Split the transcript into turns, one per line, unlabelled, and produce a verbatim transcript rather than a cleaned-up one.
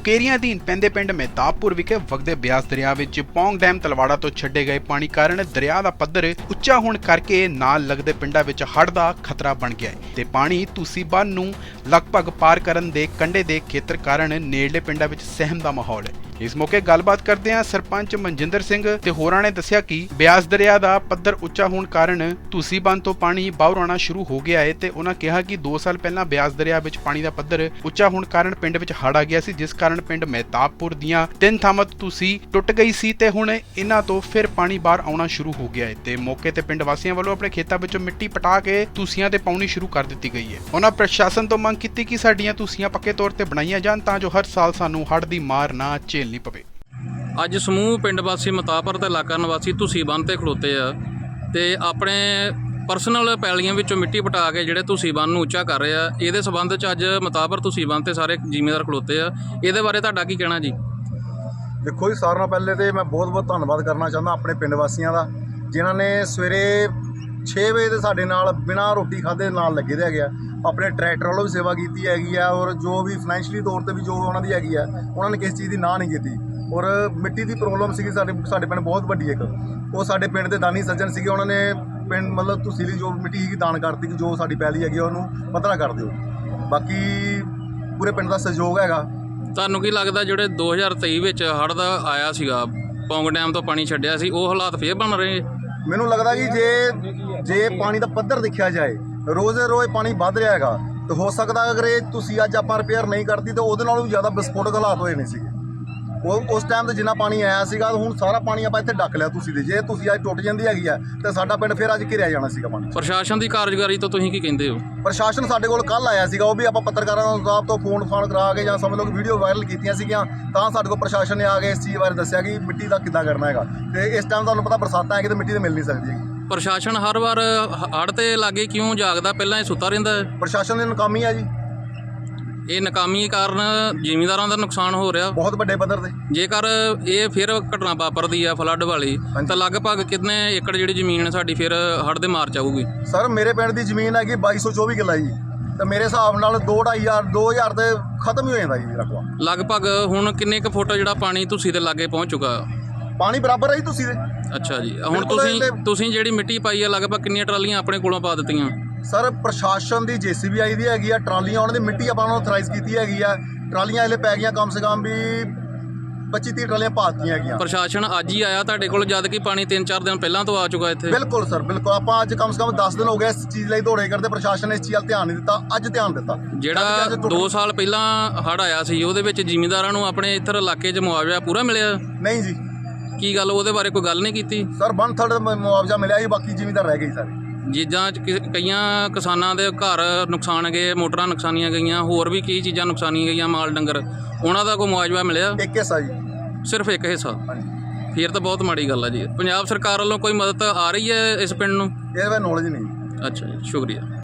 ਮੁਕੇਰੀਆਂ ਅਧੀਨ ਪੈਂਦੇ ਪਿੰਡ ਮਹਿਤਾਬਪੁਰ ਵਿਖੇ ਵਗਦੇ ਬਿਆਸ ਦਰਿਆ ਵਿੱਚ ਪੌਂਗ ਡੈਮ ਤਲਵਾੜਾ ਤੋਂ ਛੱਡੇ ਗਏ ਪਾਣੀ ਕਾਰਨ ਦਰਿਆ ਦਾ ਪੱਧਰ ਉੱਚਾ ਹੋਣ ਕਰਕੇ ਨਾਲ ਲੱਗਦੇ ਪਿੰਡਾਂ ਵਿੱਚ ਹੜ੍ਹ ਦਾ ਖਤਰਾ ਬਣ ਗਿਆ ਹੈ ਤੇ ਪਾਣੀ ਤੁਸੀਂ ਬੰਨ੍ਹ ਨੂੰ ਲਗਭਗ ਪਾਰ ਕਰਨ ਦੇ ਕੰਢੇ ਦੇ ਖੇਤਰ ਕਾਰਨ ਨੇੜਲੇ ਪਿੰਡਾਂ ਵਿੱਚ ਸਹਿਮ ਦਾ ਮਾਹੌਲ ਹੈ। ਇਸ ਮੌਕੇ ਗੱਲਬਾਤ ਕਰਦਿਆਂ ਸਰਪੰਚ ਮਨਜਿੰਦਰ ਸਿੰਘ ਤੇ ਹੋਰਾਂ ਨੇ ਦੱਸਿਆ ਕਿ ਬਿਆਸ ਦਰਿਆ ਦਾ ਪੱਧਰ ਉੱਚਾ ਹੋਣ ਕਾਰਨ ਤੁਸੀਂ ਬੰਨ੍ਹ ਤੋਂ ਪਾਣੀ ਬਾਹਰ ਆਉਣਾ ਸ਼ੁਰੂ ਹੋ ਗਿਆ ਹੈ ਤੇ ਉਹਨਾਂ ਕਿਹਾ ਕਿ ਦੋ ਸਾਲ ਪਹਿਲਾਂ ਬਿਆਸ ਦਰਿਆ ਵਿੱਚ ਪਾਣੀ ਦਾ ਪੱਧਰ ਉੱਚਾ ਹੋਣ ਕਾਰਨ ਪਿੰਡ ਵਿੱਚ ਹੜ੍ਹ ਆ ਗਿਆ ਸੀ, ਜਿਸ ਕਾਰਨ ਪਿੰਡ ਮਹਿਤਾਬਪੁਰ ਦੀਆਂ ਤਿੰਨ ਥਾਵਾਂ ਤੋਂ ਤੁਸੀਂ ਟੁੱਟ ਗਈ ਸੀ ਤੇ ਹੁਣ ਇਹਨਾਂ ਤੋਂ ਫਿਰ ਪਾਣੀ ਬਾਹਰ ਆਉਣਾ ਸ਼ੁਰੂ ਹੋ ਗਿਆ ਹੈ ਤੇ ਮੌਕੇ ਤੇ ਪਿੰਡ ਵਾਸੀਆਂ ਵੱਲੋਂ ਆਪਣੇ ਖੇਤਾਂ ਵਿੱਚੋਂ ਮਿੱਟੀ ਪਟਾ ਕੇ ਤੁਸੀਆਂ ਤੇ ਪਾਉਣੀ ਸ਼ੁਰੂ ਕਰ ਦਿੱਤੀ ਗਈ ਹੈ। ਉਹਨਾਂ ਪ੍ਰਸ਼ਾਸਨ ਤੋਂ ਮੰਗ ਕੀਤੀ ਕਿ ਸਾਡੀਆਂ ਤੁਸੀਆਂ ਪੱਕੇ ਤੌਰ ਤੇ ਬਣਾਈਆਂ ਜਾਣ ਤਾਂ ਜੋ ਹਰ ਸਾਲ ਸਾਨੂੰ ਹੜ੍ਹ ਦੀ ਮਾਰ ਨਾ ਝੇਲਣੀ ਪਵੇ।
ਅੱਜ ਸਮੂਹ ਪਿੰਡ ਵਾਸੀ ਮਤਾਪਰ ਤੇ ਇਲਾਕਾ ਨਿਵਾਸੀ ਤੁਸੀਂ ਬੰਨ੍ਹ ਤੇ ਖਲੋਤੇ ਆ ਤੇ ਆਪਣੇ ਪਰਸਨਲ ਪੈਲੀਆਂ ਵਿੱਚੋਂ ਮਿੱਟੀ ਪਟਾ ਕੇ ਜਿਹੜੇ ਤੁਸੀਂ ਬੰਨ੍ਹ ਨੂੰ ਉੱਚਾ ਕਰ ਰਹੇ ਆ। ਇਹਦੇ ਸਬੰਧ 'ਚ ਅੱਜ ਮਤਾਪਰ ਤੁਸੀਂ ਬੰਨ੍ਹ ਤੇ ਸਾਰੇ ਜ਼ਿਮੀਂਦਾਰ ਖਲੋਤੇ ਆ। ਇਹਦੇ ਬਾਰੇ ਤੁਹਾਡਾ ਕੀ ਕਹਿਣਾ ਜੀ?
ਦੇਖੋ ਜੀ, ਸਾਰਿਆਂ ਨਾਲੋਂ ਪਹਿਲੇ ਤੇ ਮੈਂ ਬਹੁਤ ਬਹੁਤ ਧੰਨਵਾਦ ਕਰਨਾ ਚਾਹੁੰਦਾ ਆਪਣੇ ਪਿੰਡ ਵਾਸੀਆਂ ਦਾ, ਜਿਨ੍ਹਾਂ ਨੇ ਸਵੇਰੇ ਛੇ ਵਜੇ ਦੇ ਸਾਡੇ ਨਾਲ ਬਿਨਾਂ ਰੋਟੀ ਖਾਧੇ ਨਾਲ ਲੱਗੇ ਦੇ ਹੈਗੇ ਆ। ਆਪਣੇ ਟਰੈਕਟਰ ਵੱਲੋਂ ਵੀ ਸੇਵਾ ਕੀਤੀ ਹੈਗੀ ਆ ਔਰ ਜੋ ਵੀ ਫਾਈਨੈਂਸ਼ੀਅਲੀ ਤੌਰ ਤੇ ਵੀ ਜੋ ਉਹਨਾਂ ਦੀ ਹੈਗੀ ਆ, ਉਹਨਾਂ ਨੇ ਕਿਸੇ ਚੀਜ਼ ਦੀ ਨਾ ਨਹੀਂ ਕੀਤੀ। ਔਰ ਮਿੱਟੀ ਦੀ ਪ੍ਰੋਬਲਮ ਸੀਗੀ ਸਾਡੇ ਸਾਡੇ ਪਿੰਡ ਬਹੁਤ ਵੱਡੀ ਇੱਕ, ਉਹ ਸਾਡੇ ਪਿੰਡ ਦੇ ਦਾਨੀ ਸੱਜਣ ਸੀਗੇ, ਉਹਨਾਂ ਨੇ ਪਿੰਡ ਮਤਲਬ ਤੁਸੀਂ ਲਈ ਜੋ ਮਿੱਟੀ ਸੀਗੀ ਦਾਨ ਕਰਤੀ ਕਿ ਜੋ ਸਾਡੀ ਪੈਲੀ ਹੈਗੀ ਉਹਨੂੰ ਪੱਧਰਾ ਕਰ ਦਿਓ। ਬਾਕੀ ਪੂਰੇ ਪਿੰਡ ਦਾ ਸਹਿਯੋਗ ਹੈਗਾ।
ਤੁਹਾਨੂੰ ਕੀ ਲੱਗਦਾ ਜਿਹੜੇ ਦੋ ਹਜ਼ਾਰ ਤੇਈ ਵਿੱਚ ਹੜ੍ਹ ਦਾ ਆਇਆ ਸੀਗਾ, ਪੌਂਗ ਡੈਮ ਤੋਂ ਪਾਣੀ ਛੱਡਿਆ ਸੀ, ਉਹ ਹਾਲਾਤ ਫੇਰ ਬਣ ਰਹੇ? ਮੈਨੂੰ
ਲੱਗਦਾ ਕਿ ਜੇ ਜੇ ਪਾਣੀ ਦਾ ਪੱਧਰ ਦੇਖਿਆ ਜਾਏ, ਰੋਜ਼ ਰੋਜ਼ ਪਾਣੀ ਵੱਧ ਰਿਹਾ ਹੈਗਾ, ਤਾਂ ਹੋ ਸਕਦਾ ਅਗਰ ਇਹ ਤੁਸੀਂ ਅੱਜ ਆਪਾਂ ਰਿਪੇਅਰ ਨਹੀਂ ਕਰਦੀ ਤਾਂ ਉਹਦੇ ਨਾਲੋਂ ਵੀ ਜ਼ਿਆਦਾ ਵਿਸਫੋਟਕ ਹਾਲਾਤ ਹੋਏ ਨਹੀਂ ਸੀਗੇ। ਉਹ ਉਸ ਟਾਈਮ ਤੇ ਜਿੰਨਾ ਪਾਣੀ ਆਇਆ ਸੀਗਾ, ਹੁਣ ਸਾਰਾ ਪਾਣੀ ਆਪਾਂ ਇੱਥੇ ਡੱਕ ਲਿਆ ਤੁਸੀਂ ਦੇ। ਜੇ ਤੁਸੀਂ ਅੱਜ ਟੁੱਟ ਜਾਂਦੀ ਹੈਗੀ ਆ ਤਾਂ ਸਾਡਾ ਪਿੰਡ ਫਿਰ ਅੱਜ ਘਿਰਿਆ ਜਾਣਾ ਸੀਗਾ ਪਾਣੀ।
ਪ੍ਰਸ਼ਾਸਨ ਦੀ ਕਾਰਜਕਾਰੀ ਤੋਂ ਤੁਸੀਂ ਕੀ ਕਹਿੰਦੇ ਹੋ?
ਪ੍ਰਸ਼ਾਸਨ ਸਾਡੇ ਕੋਲ ਕੱਲ੍ਹ ਆਇਆ ਸੀਗਾ, ਉਹ ਵੀ ਆਪਾਂ ਪੱਤਰਕਾਰਾਂ ਸਾਹਿਬ ਤੋਂ ਫੋਨ ਫਾਨ ਕਰਾ ਕੇ ਜਾਂ ਸਮਝ ਲਓ ਕਿ ਵੀਡੀਓ ਵਾਇਰਲ ਕੀਤੀਆਂ ਸੀਗੀਆਂ, ਤਾਂ ਸਾਡੇ ਕੋਲ ਪ੍ਰਸ਼ਾਸਨ ਨੇ ਆ ਕੇ ਇਸ ਚੀਜ਼ ਬਾਰੇ ਦੱਸਿਆ ਕਿ ਮਿੱਟੀ ਦਾ ਕਿੱਦਾਂ ਕਰਨਾ ਹੈਗਾ। ਤੇ ਇਸ ਟਾਈਮ ਤੁਹਾਨੂੰ ਪਤਾ ਬਰਸਾਤਾਂ ਹੈਗੀ ਤੇ ਮਿੱਟੀ ਤਾਂ ਮਿਲ ਨਹੀਂ ਸਕਦੀ ਹੈਗੀ।
ਪ੍ਰਸ਼ਾਸਨ ਹਰ ਵਾਰ ਹੜ੍ਹ ਤੇ ਲਾਗੇ ਕਿਉਂ ਜਾਗਦਾ, ਪਹਿਲਾਂ ਇਹ ਸੁੱਤਾ ਰਹਿੰਦਾ ਹੈ?
ਪ੍ਰਸ਼ਾਸਨ ਦੀ ਨਾਕਾਮੀ ਆ ਜੀ।
ਇਹ ਨਾਕਾਮੀ ਕਾਰਨ ਜ਼ਿਮੀਂਦਾਰਾਂ ਦਾ ਨੁਕਸਾਨ ਹੋ ਰਿਹਾ
ਬਹੁਤ ਵੱਡੇ ਪੱਧਰ ਤੇ।
ਜੇਕਰ ਇਹ ਫਿਰ ਘਟਨਾ ਵਾਪਰਦੀ ਆ ਫਲੱਡ ਵਾਲੀ, ਤਾਂ ਲਗਭਗ ਕਿੰਨੇ ਏਕੜ ਜਿਹੜੀ ਜ਼ਮੀਨ ਸਾਡੀ ਫਿਰ ਹੜ੍ਹ ਦੇ ਮਾਰ ਚ ਆਊਗੀ?
ਸਰ ਮੇਰੇ ਪਿੰਡ ਦੀ ਜ਼ਮੀਨ ਹੈਗੀ ਬਾਈ ਸੌ ਚੌਵੀ ਕਿੱਲਾ ਜੀ, ਤੇ ਮੇਰੇ ਹਿਸਾਬ ਨਾਲ ਦੋ ਢਾਈ ਹਜ਼ਾਰ ਦੋ ਹਜ਼ਾਰ ਤੇ ਖਤਮ ਹੀ ਹੋ ਜਾਂਦਾ ਜੀ ਰਕਬਾ।
ਲਗਭਗ ਹੁਣ ਕਿੰਨੇ ਕੁ ਫੁੱਟ ਜਿਹੜਾ ਪਾਣੀ ਤੁਸੀਂ ਦੇ ਲਾਗੇ ਪਹੁੰਚ ਚੁੱਕਾ?
ਪਾਣੀ ਬਰਾਬਰ ਹੈ ਜੀ ਤੁਸੀਂ ਦੇ।
ਅੱਛਾ ਜੀ, ਹੁਣ ਤੁਸੀਂ ਤੁਸੀਂ ਜਿਹੜੀ ਮਿੱਟੀ ਪਾਈ ਆ, ਲਗਭਗ ਕਿੰਨੀਆਂ ਟਰਾਲੀਆਂ ਆਪਣੇ ਕੋਲੋਂ ਪਾ ਦਿੱਤੀਆਂ?
ਸਰ ਪ੍ਰਸ਼ਾਸਨ ਦੀ ਜੇਸੀਬੀ ਆਈ ਦੀ ਹੈਗੀ ਆ, ਟਰਾਲੀਆਂ ਉਹਨਾਂ ਦੀ ਮਿੱਟੀ ਆਪਾਂ ਨੂੰ ਅਥਰਾਈਜ਼ ਕੀਤੀ ਹੈਗੀ ਆ। ਟਰਾਲੀਆਂ ਇਹਲੇ ਪੈ ਗਈਆਂ ਕਮ ਸੇ ਕਮ ਵੀ ਪੱਚੀ ਤੀਹ ਟਰਾਲੀਆਂ ਪਾ ਦਿੱਤੀਆਂ ਹੈਗੀਆਂ।
ਪ੍ਰਸ਼ਾਸਨ ਅੱਜ ਹੀ ਆਇਆ ਤੁਹਾਡੇ ਕੋਲ, ਜਦ ਕਿ ਪਾਣੀ ਤਿੰਨ ਚਾਰ ਦਿਨ ਪਹਿਲਾਂ ਤੋਂ ਆ ਚੁੱਕਾ ਇੱਥੇ?
ਬਿਲਕੁਲ ਸਰ, ਬਿਲਕੁਲ। ਆਪਾਂ ਅੱਜ ਕਮ ਸੇ ਕਮ ਦਸ ਦਿਨ ਹੋ ਗਏ ਇਸ ਚੀਜ਼ ਲਈ ਦੌੜੇ ਕਰਦੇ, ਪ੍ਰਸ਼ਾਸਨ ਨੇ ਇਸ ਚੀਜ਼ ਵੱਲ ਧਿਆਨ ਨਹੀਂ ਦਿੱਤਾ। ਅੱਜ ਧਿਆਨ ਦਿੱਤਾ।
ਜਿਹੜਾ ਦੋ ਸਾਲ ਪਹਿਲਾਂ ਹੜ੍ਹ ਆਇਆ ਸੀ, ਉਹਦੇ ਵਿੱਚ ਜ਼ਿਮੀਂਦਾਰਾਂ ਨੂੰ ਆਪਣੇ ਇੱਧਰ ਇਲਾਕੇ 'ਚ ਮੁਆਵਜ਼ਾ ਪੂਰਾ ਮਿਲਿਆ?
ਨਹੀਂ ਜੀ।
ਕੀ ਗੱਲ, ਉਹਦੇ ਬਾਰੇ ਕੋਈ ਗੱਲ ਨਹੀਂ ਕੀਤੀ?
ਸਰ ਵਨ ਥਰਡ ਮੁਆਵਜ਼ਾ ਮਿਲਿਆ ਜੀ, ਬਾਕੀ ਜ਼ਿਮੀਂਦਾਰ ਰਹਿ ਗਏ ਸਾਰੇ।
ਜਿੱਦਾਂ ਕਈਆਂ ਕਿਸਾਨਾਂ ਦੇ ਘਰ ਨੁਕਸਾਨ ਗਏ, ਮੋਟਰਾਂ ਨੁਕਸਾਨੀਆਂ ਗਈਆਂ, ਹੋਰ ਵੀ ਕਈ ਚੀਜ਼ਾਂ ਨੁਕਸਾਨੀਆਂ ਗਈਆਂ, ਮਾਲ ਡੰਗਰ, ਉਹਨਾਂ ਦਾ ਕੋਈ ਮੁਆਵਜ਼ਾ ਮਿਲਿਆ?
ਇੱਕ ਹਿੱਸਾ ਜੀ,
ਸਿਰਫ ਇੱਕ ਹਿੱਸਾ?
ਹਾਂਜੀ।
ਫਿਰ ਤਾਂ ਬਹੁਤ ਮਾੜੀ ਗੱਲ ਹੈ ਜੀ। ਪੰਜਾਬ ਸਰਕਾਰ ਵੱਲੋਂ ਕੋਈ ਮਦਦ ਆ ਰਹੀ ਹੈ ਇਸ ਪਿੰਡ ਨੂੰ?
ਇਹਦੇ ਬਾਰੇ ਨੌਲੇਜ ਨਹੀਂ।
ਅੱਛਾ ਜੀ, ਸ਼ੁਕਰੀਆ।